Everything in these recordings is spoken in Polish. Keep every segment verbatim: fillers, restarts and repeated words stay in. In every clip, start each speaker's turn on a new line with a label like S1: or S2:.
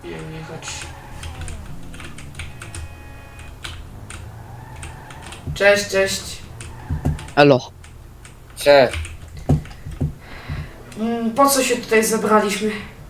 S1: jechać. Cześć, cześć.
S2: Elo.
S3: Cześć.
S1: Mm, Po co się tutaj zebraliśmy?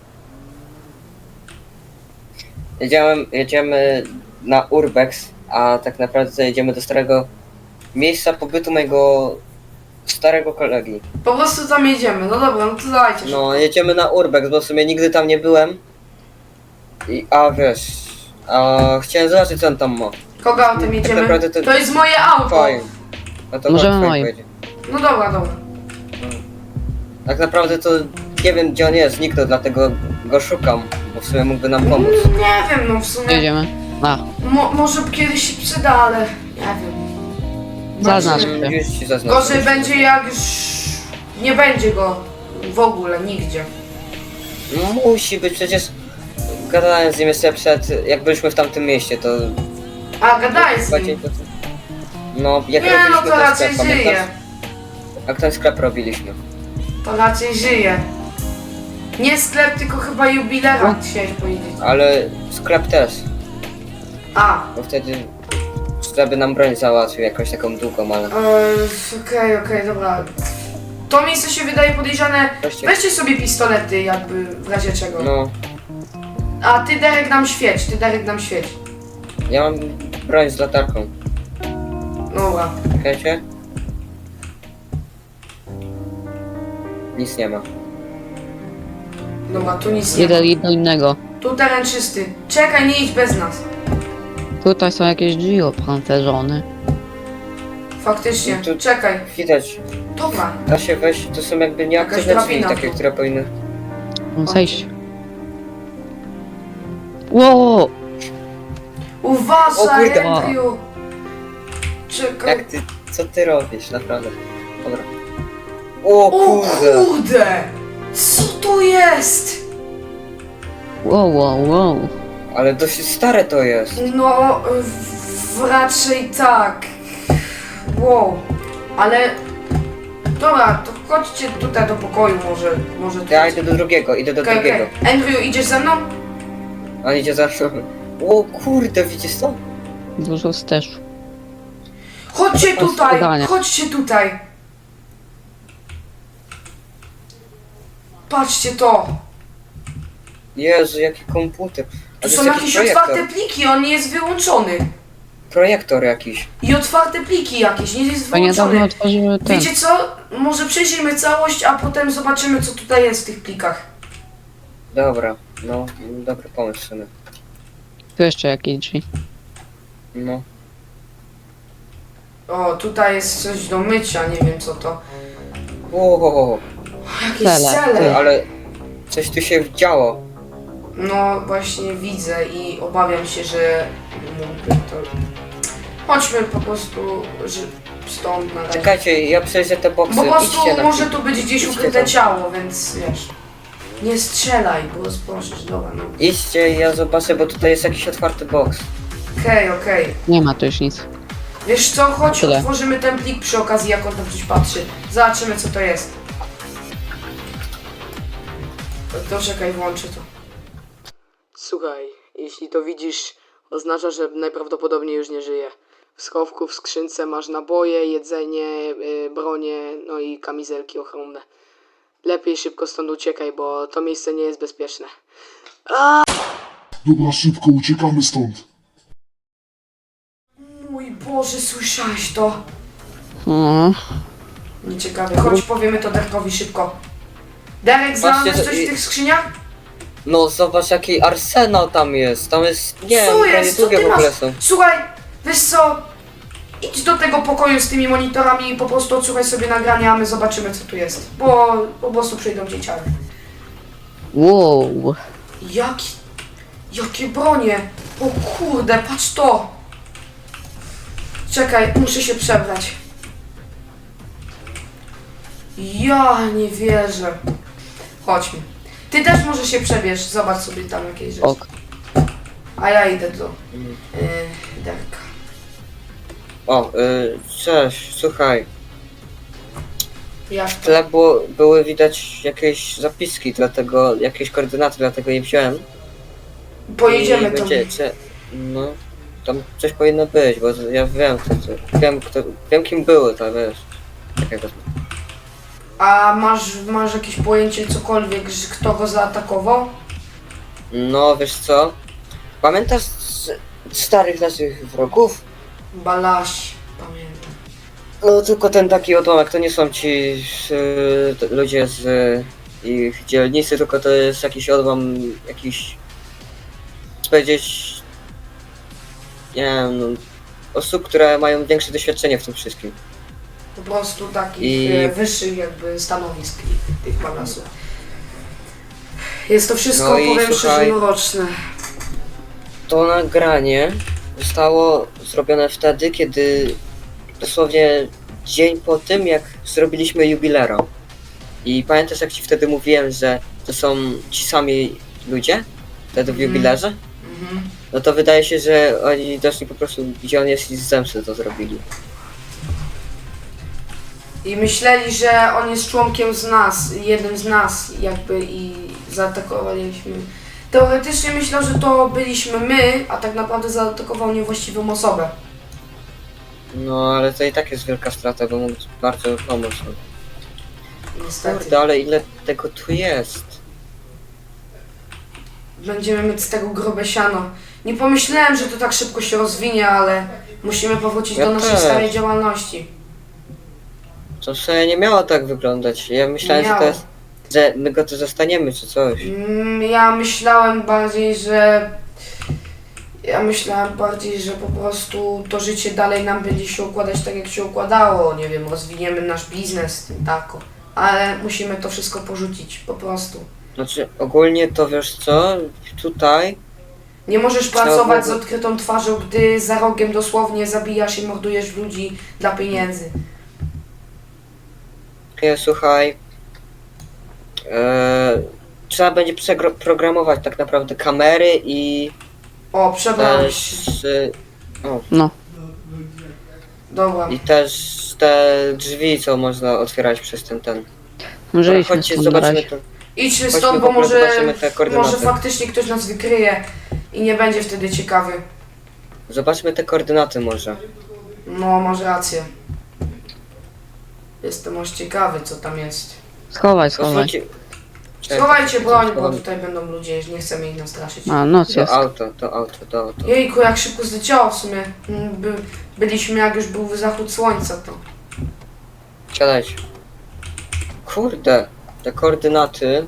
S3: Jedziemy, jedziemy na Urbex, a tak naprawdę jedziemy do starego miejsca pobytu mojego starego kolegi.
S1: Po prostu tam jedziemy, no dobra, no to dajcie.
S3: No, jedziemy na Urbex, bo w sumie nigdy tam nie byłem. I, a wiesz, a chciałem zobaczyć co on tam ma.
S1: Kogo autem
S3: tak
S1: jedziemy?
S3: naprawdę to-
S1: To jest moje auto.
S3: Fajnie. No to
S2: Możemy
S3: chodź,
S2: moim.
S3: pojedzie.
S1: No dobra, dobra.
S3: Tak naprawdę to nie wiem gdzie on jest, zniknął, dlatego go szukam, bo w sumie mógłby nam pomóc.
S1: Mm, Nie wiem, no w sumie.
S2: Jedziemy. A,
S1: Mo może kiedyś się przyda, ale nie wiem.
S2: zaznacz
S1: Zobaczymy.
S2: się.
S3: Już ci zaznaczę.
S1: Gorzej będzie jak już nie będzie go w ogóle nigdzie.
S3: No, musi być, przecież gadałem z nim jeszcze przed, jak byliśmy w tamtym mieście, to...
S1: A gadaj z nim.
S3: No, jak
S1: Nie no
S3: robiliśmy
S1: to
S3: ten
S1: raczej
S3: sklep,
S1: żyje.
S3: pamiętasz? Jak ten sklep robiliśmy.
S1: To raczej żyje. Nie sklep, tylko chyba jubilera chciałeś powiedzieć.
S3: Ale sklep też,
S1: A,
S3: bo wtedy żeby nam broń załatwił jakąś taką długą, ale...
S1: Eee, okej, okej, dobra. To miejsce się wydaje podejrzane.
S3: Weźcie-
S1: Weźcie sobie pistolety, jakby w razie czego.
S3: No,
S1: A ty Derek nam świeć, ty Derek nam świeć.
S3: ja mam broń z latarką.
S1: Dobra.
S3: Wiecie? Nic nie ma.
S1: Dobra, tu nic nie ma.
S2: Jeden do innego.
S1: Tu teren czysty. Czekaj, nie idź bez nas.
S2: Tutaj są jakieś drzwi opancerzone.
S1: Faktycznie,
S3: No to-
S1: czekaj.
S3: Widać,
S1: Dobra.
S3: da się wejść, to są jakby nieaktywne
S1: Jakaś
S3: drzwi,
S1: drabina
S3: takie,
S1: tu.
S3: które powinny...
S2: Mam zejść. Wow!
S1: Uważaj,
S3: O kurde.
S1: Andrew. Czekaj.
S3: Jak ty, co ty robisz, naprawdę? Dobra. O
S1: O
S3: kurde!
S1: kurde! Co to jest?
S2: Wow, wow, wow.
S3: Ale dosyć stare to jest.
S1: No, w, raczej tak. Wow. Ale... Dobra, to chodźcie tutaj do pokoju może. może tu.
S3: Ja idę do drugiego, idę do
S1: Okej,
S3: drugiego.
S1: okej. Andrew, idziesz ze mną?
S3: On idzie za mną. O kurde, widzisz to?
S2: Dużo też.
S1: Chodźcie
S2: To jest
S1: tutaj!
S2: zadanie.
S1: Chodźcie tutaj! Patrzcie to!
S3: Jezu, jaki komputer. A
S1: Tu
S3: to
S1: są
S3: jest
S1: jakieś
S3: jakiś projektor.
S1: otwarte pliki, on nie jest wyłączony.
S3: Projektor jakiś.
S1: I otwarte pliki jakieś, nie jest
S2: A niedawno
S1: wyłączony.
S2: otworzyły ten.
S1: Wiecie co? Może przejrzyjmy całość, a potem zobaczymy co tutaj jest w tych plikach.
S3: Dobra, no, dobry pomysł w sumie.
S2: Tu jeszcze jakieś drzwi.
S3: No.
S1: O, tutaj jest coś do mycia, nie wiem co to.
S3: O,
S1: Jakieś
S2: Cele,
S1: cele.
S3: ale coś tu się działo.
S1: No właśnie widzę i obawiam się, że mógłby to... Chodźmy po prostu że stąd na razie.
S3: Czekajcie, ja przejrzę te boksy.
S1: Po prostu
S3: Idźcie na
S1: może
S3: chwilę.
S1: tu być gdzieś
S3: Idźcie
S1: ukryte
S3: tam.
S1: ciało, więc wiesz. Nie strzelaj, bo spłoszysz, dobra no.
S3: Idźcie, ja zobaczę, bo tutaj jest jakiś otwarty boks.
S1: Okej, okej.
S2: Nie ma tu już nic.
S1: Wiesz co, chodź,
S2: Tyle.
S1: otworzymy ten plik przy okazji, jak on tam coś patrzy. Zobaczymy co to jest. To, to czekaj, włączę to. Słuchaj, jeśli to widzisz, oznacza, że najprawdopodobniej już nie żyje. W schowku, w skrzynce masz naboje, jedzenie, yy, bronie, no i kamizelki ochronne. Lepiej szybko stąd uciekaj, bo to miejsce nie jest bezpieczne.
S4: Dobra, szybko, uciekamy stąd.
S1: Mój Boże, słyszałeś to?
S2: O,
S1: Nieciekawe. Chodź, powiemy to Derkowi szybko. Derek, znalazłeś
S3: że-
S1: coś w tych skrzyniach?
S3: No zobacz jaki arsenał tam jest. Tam jest, nie
S1: Co
S3: wiem,
S1: jest? Co
S3: długie
S1: ty
S3: w ogóle
S1: masz?
S3: są.
S1: Słuchaj, wiesz co? Idź do tego pokoju z tymi monitorami i po prostu odsłuchaj sobie nagrania, a my zobaczymy co tu jest. Bo po prostu przyjdą dzieciaki.
S2: wow.
S1: Jaki... Jakie bronie! O kurde, patrz to! Czekaj, muszę się przebrać. Ja nie wierzę. Chodźmy. Ty też może się przebierz, zobacz sobie tam jakieś rzeczy.
S2: Ok.
S1: A ja idę do
S3: Mm.
S1: yy, Derka.
S3: O, y, cześć, słuchaj.
S1: Jak
S3: W
S1: to?
S3: tle było, były widać jakieś zapiski, dlatego, jakieś koordynaty, dlatego je wziąłem.
S1: Pojedziemy
S3: I
S1: tam.
S3: będzie, czy, no, tam coś powinno być, bo ja wiem kto to, wiem kto, wiem kim było to, wiesz. Takiego.
S1: A masz, masz jakieś pojęcie cokolwiek, że kto go zaatakował?
S3: No wiesz co? Pamiętasz z starych naszych wrogów?
S1: Balaś, pamiętam.
S3: No tylko ten taki odłamek, to nie są ci y, t- ludzie z y, ich dzielnicy, tylko to jest jakiś odłam, jakiś, chcę powiedzieć, nie wiem, no, osób, które mają większe doświadczenie w tym wszystkim.
S1: Po prostu takich
S3: I-
S1: e, wyższych jakby stanowisk i tych balasów. Jest to wszystko,
S3: No i
S1: powiem szczerze,
S3: słuchaj-
S1: mroczne.
S3: To nagranie zostało zrobione wtedy, kiedy dosłownie dzień po tym, jak zrobiliśmy jubilera. I pamiętasz, jak ci wtedy mówiłem, że to są ci sami ludzie? Wtedy w
S1: Mhm.
S3: jubilerze?
S1: Mhm.
S3: No to wydaje się, że oni doszli po prostu, gdzie on jest i z zemsty to zrobili.
S1: I myśleli, że on jest członkiem z nas, jednym z nas jakby i zaatakowaliśmy. Teoretycznie myślał, że to byliśmy my, a tak naprawdę zaatakował niewłaściwą osobę.
S3: No ale to i tak jest wielka strata, bo mógł bardzo pomóc.
S1: Niestety.
S3: Kurde, ale ile tego tu jest?
S1: Będziemy mieć z tego grube siano. Nie pomyślałem, że to tak szybko się rozwinie, ale musimy powrócić
S3: Ja
S1: do naszej
S3: też.
S1: starej działalności.
S3: To sobie nie miało tak wyglądać. Ja myślałem, że to
S1: Miało.
S3: jest, że my go tu zostaniemy czy coś.
S1: Mm, Ja myślałem bardziej, że... Ja myślałem bardziej, że po prostu to życie dalej nam będzie się układać tak, jak się układało. Nie wiem, rozwiniemy nasz biznes, tako. Ale musimy to wszystko porzucić, po prostu.
S3: Znaczy ogólnie to wiesz co? Tutaj
S1: Nie możesz
S3: Trzeba
S1: pracować z
S3: było-
S1: odkrytą twarzą, gdy za rogiem dosłownie zabijasz i mordujesz ludzi dla pieniędzy.
S3: nie, słuchaj. E, trzeba będzie przeprogramować tak naprawdę kamery i
S1: O, przebrałem się.
S3: też y, o,
S2: No,
S1: Dobra.
S3: i też te drzwi, co można otwierać przez ten ten.
S2: może
S3: Dobra,
S2: idźmy
S3: chodźcie,
S2: stąd na
S3: zobaczymy
S2: razie.
S3: to.
S1: Idźmy
S3: Chodźmy
S1: stąd,
S3: w
S1: bo
S3: ogóle
S1: może,
S3: zobaczymy te koordynaty.
S1: może faktycznie ktoś nas wykryje i nie będzie wtedy ciekawy.
S3: Zobaczmy te koordynaty może.
S1: No, masz rację. Jestem aż ciekawy, co tam jest.
S2: Schowaj, schowaj.
S3: Posłuchajcie. Czekaj,
S1: Schowajcie broń, bo
S3: schowam.
S1: tutaj będą ludzie, nie chcemy ich nastraszyć.
S2: A, noc
S3: To
S2: jest.
S3: auto, to auto, to auto.
S1: Jejku, jak szybko zleciało w sumie. Mm, By, byliśmy jak już był zachód słońca, to.
S3: Siadajcie. Kurde, te koordynaty.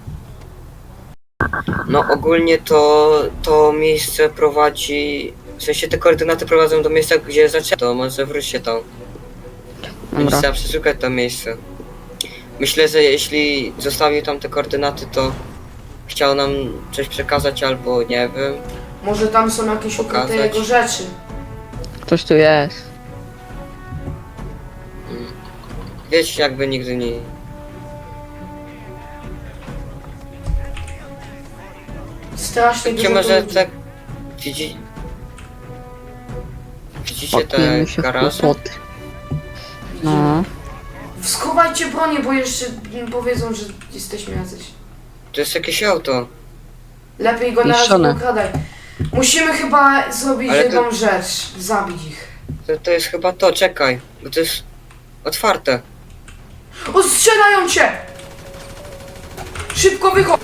S3: No ogólnie to to miejsce prowadzi. W sensie te koordynaty prowadzą do miejsca, gdzie zaczęto. To może wróćcie tam. Będzie
S2: Dobra.
S3: trzeba przeszukać to miejsce. Myślę, że jeśli zostawił tam te koordynaty, to chciał nam coś przekazać albo nie wiem.
S1: Może tam są jakieś ukryte
S3: Pokazać.
S1: jego rzeczy.
S2: Ktoś tu jest.
S3: Wiecie, jakby nigdy nie.
S1: Strasznie
S3: Gdzie
S1: dużo
S3: może
S1: ludzi.
S3: tak. Widzi... Widzicie te
S2: Pakujemy się w
S3: garaże?
S2: kłopoty. No,
S1: Schowajcie bronię, bo jeszcze mm, powiedzą, że jesteśmy jacyś.
S3: To jest jakieś auto.
S1: Lepiej go na razie
S2: Niszczone.
S1: nie okradaj. Musimy chyba zrobić
S3: Ale to-
S1: jedną rzecz. Zabić ich.
S3: To, to jest chyba to, czekaj. Bo to jest otwarte.
S1: O, strzelają cię! Szybko wychodź!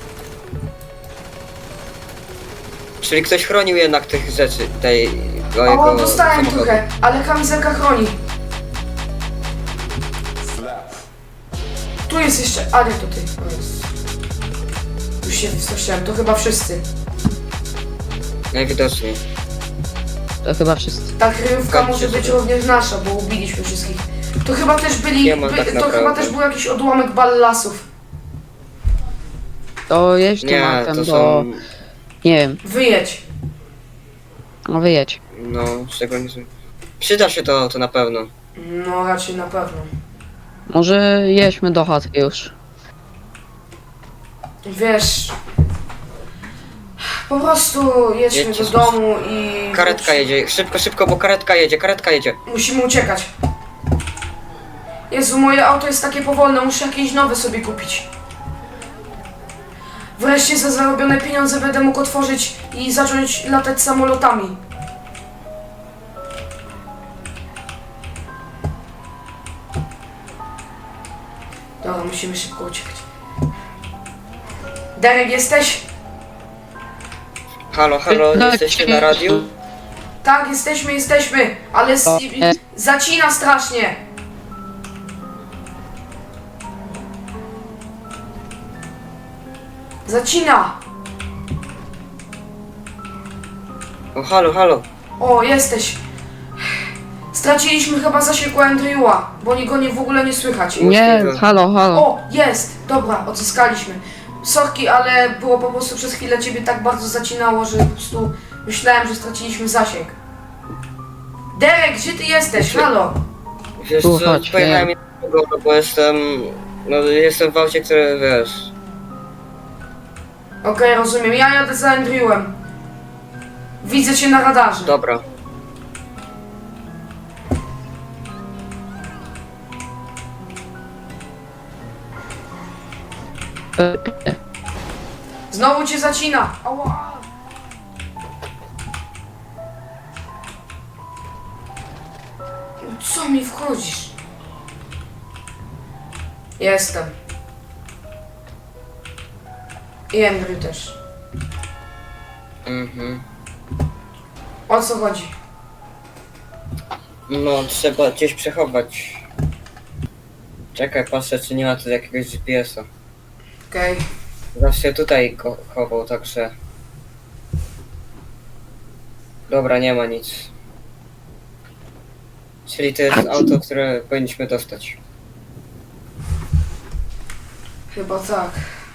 S3: Czyli ktoś chronił jednak tych rzeczy, tej
S1: O,
S3: jego
S1: dostałem
S3: samochodu.
S1: trochę, ale kamizelka chroni. Tu jest jeszcze... A nie, to ty. O, jest. Już się wstraszyłem, to chyba wszyscy.
S3: Najwidoczniej.
S2: to chyba wszyscy.
S1: Ta kryjówka
S3: Zgadźcie
S1: może być
S3: sobie.
S1: również nasza, bo ubiliśmy wszystkich. To chyba też byli...
S3: Nie ma
S1: By,
S3: tak
S1: to
S3: naprawdę.
S1: chyba też był jakiś odłamek ballasów.
S2: To jedź
S3: Nie,
S2: tematem,
S3: to
S2: bo...
S3: są...
S2: Nie wiem,
S1: Wyjedź.
S2: no wyjedź.
S3: No, szczególnie... Przyda się to, to na pewno.
S1: No, raczej na pewno.
S2: Może jedźmy do chaty już.
S1: Wiesz... Po prostu jedźmy
S3: Jedźcie
S1: do
S3: z-
S1: domu i...
S3: Karetka jedzie, szybko, szybko, bo karetka jedzie, karetka jedzie.
S1: Musimy uciekać. Jezu, moje auto jest takie powolne, muszę jakieś nowe sobie kupić. Wreszcie za zarobione pieniądze będę mógł otworzyć i zacząć latać samolotami. Dobra, musimy szybko uciekać. Derek, jesteś?
S3: Halo, halo,
S2: Tak,
S3: jesteście na radiu?
S1: Tak, jesteśmy, jesteśmy, ale s-
S2: O,
S1: i-
S2: e.
S1: zacina strasznie. Zacina.
S3: O, halo, halo.
S1: O, jesteś. Straciliśmy chyba zasięg u Andrewa, bo go nie w ogóle nie słychać.
S2: Nie,
S3: Możliwe.
S2: halo, halo.
S1: O, jest! Dobra, odzyskaliśmy. Sorki, ale było po prostu przez chwilę ciebie tak bardzo zacinało, że po prostu myślałem, że straciliśmy zasięg. Derek, gdzie ty jesteś? Halo!
S3: Wiesz
S2: Tu,
S3: co,
S2: chodź,
S3: pojechałem
S2: nie.
S3: jednego, bo jestem... No, jestem w aucie, które, wiesz...
S1: Okej, rozumiem. Ja jadę za Andrewem. Widzę cię na radarze.
S3: Dobra.
S2: E,
S1: Znowu cię zacina. Ała! Co mi wchodzisz? Jestem. I Andrew też.
S3: Mhm.
S1: O co chodzi?
S3: No, trzeba gdzieś przechować. Czekaj, patrzę, czy nie ma tu jakiegoś G P S-a.
S1: Okej.
S3: Zawsze tutaj go chował, także... Dobra, nie ma nic. Czyli to jest auto, które powinniśmy dostać.
S1: Chyba tak.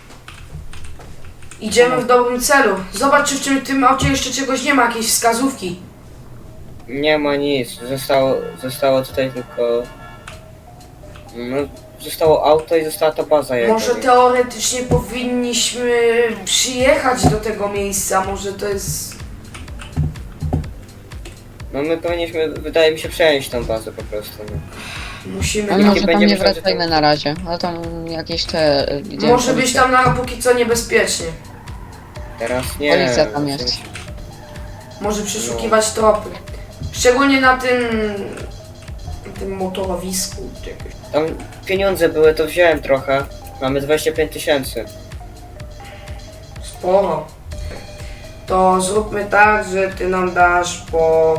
S1: Idziemy w dobrym celu. Zobacz, czy w tym- tym aucie jeszcze czegoś nie ma, jakiejś wskazówki.
S3: Nie ma nic, zostało, zostało tutaj tylko... No, zostało auto i została ta baza jego.
S1: Może teoretycznie powinniśmy przyjechać do tego miejsca, może to jest...
S3: No my powinniśmy, wydaje mi się, przejąć tą bazę po prostu. No.
S1: Musimy...
S2: A
S3: Nie
S2: może tam
S3: będziemy
S2: nie
S3: wtedy
S2: wracajmy
S3: tam-
S2: na razie, ale tam jakieś te... gdzie
S1: Może być
S2: policja.
S1: tam na póki co niebezpiecznie.
S3: Teraz nie.
S2: Policja tam jest.
S1: Może przeszukiwać tropy. Szczególnie na tym... na tym motorowisku czy jakoś.
S3: Tam pieniądze były, to wziąłem trochę. Mamy dwadzieścia pięć tysięcy.
S1: Sporo. To zróbmy tak, że ty nam dasz po...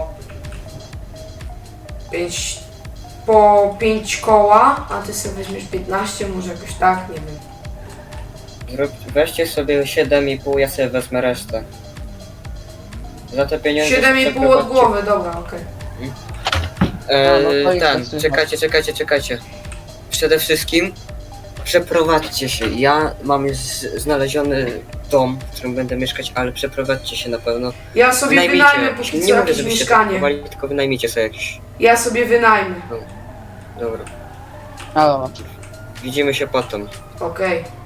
S1: pięć... po pięć koła, a ty sobie weźmiesz piętnaście, może jakoś tak, nie wiem.
S3: Zrób, weźcie sobie siedem i pół, ja sobie wezmę resztę. Za te pieniądze...
S1: siedem i pół od
S3: przeprowadźcie-
S1: głowy, dobra, okej.
S3: E,
S2: No, no to jest
S3: ten,
S2: tak słychać.
S3: czekajcie, czekajcie, czekajcie. Przede wszystkim przeprowadźcie się. Ja mam już z- znaleziony dom, w którym będę mieszkać, ale przeprowadźcie się na pewno.
S1: Ja sobie
S3: Wynajmijcie
S1: wynajmę
S3: jakieś.
S1: póki co
S3: Nie mówię,
S1: jakieś
S3: żebyście tak
S1: mieszkanie.
S3: kupowali, tylko wynajmijcie sobie jakieś.
S1: Ja sobie wynajmę.
S3: Dobra.
S2: A, dobra.
S3: Widzimy się potem.
S1: Okej.